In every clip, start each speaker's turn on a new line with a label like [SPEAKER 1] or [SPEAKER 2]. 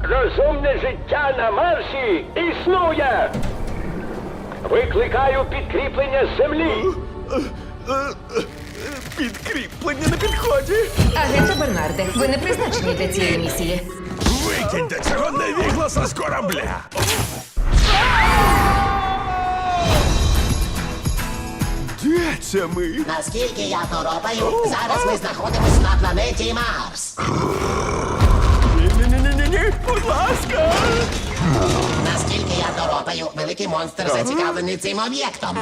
[SPEAKER 1] Розумне життя на Марсі існує! Викликаю підкріплення з землі!
[SPEAKER 2] Підкріплення на підході.
[SPEAKER 3] Агенте Бернарде, ви не призначені для цієї місії.
[SPEAKER 4] Викиньте цього невігласа з корабля!
[SPEAKER 2] Де це ми?
[SPEAKER 5] Наскільки я торопаю, зараз ми знаходимось на планеті Марс.
[SPEAKER 2] Ні-ні-ні-ні-ні, будь ласка.
[SPEAKER 5] Наскільки я торопаю, великий монстр зацікавлений цим об'єктом.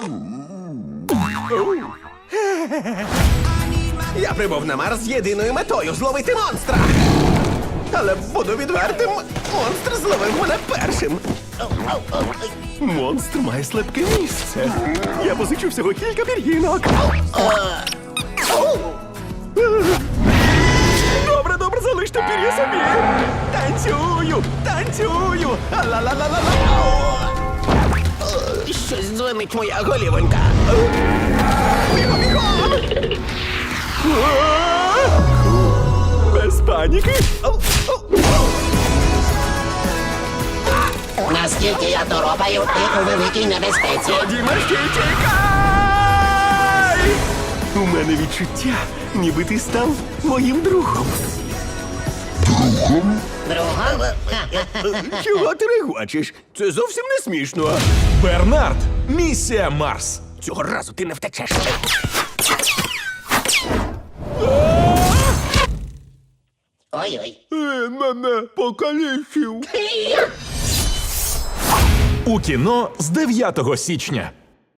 [SPEAKER 2] Я прибув на Марс з єдиною метою зловити монстра. Але буду відвертим, монстр зловив мене першим. Монстр має слабке місце. Я позичу всього кілька пір'їнок. Добре, добре, залиште пір'я собі. Танцюю, танцюю. Ла-ла-ла-ла-ла. Щось дзвонить моя голівонька. Бігом, бігом! Без паніки.
[SPEAKER 5] Наскільки я торопаю, ти у великій небезпеці.
[SPEAKER 2] Дімашки, чекай! У мене відчуття, ніби ти став моїм другом.
[SPEAKER 5] Другом?
[SPEAKER 2] Чого ти регочеш? Це зовсім не смішно.
[SPEAKER 4] Бернард, місія Марс.
[SPEAKER 2] Цього разу ти не втечеш.
[SPEAKER 5] Ой-ой.
[SPEAKER 2] Мене покалічив.
[SPEAKER 4] У кіно з 9 січня.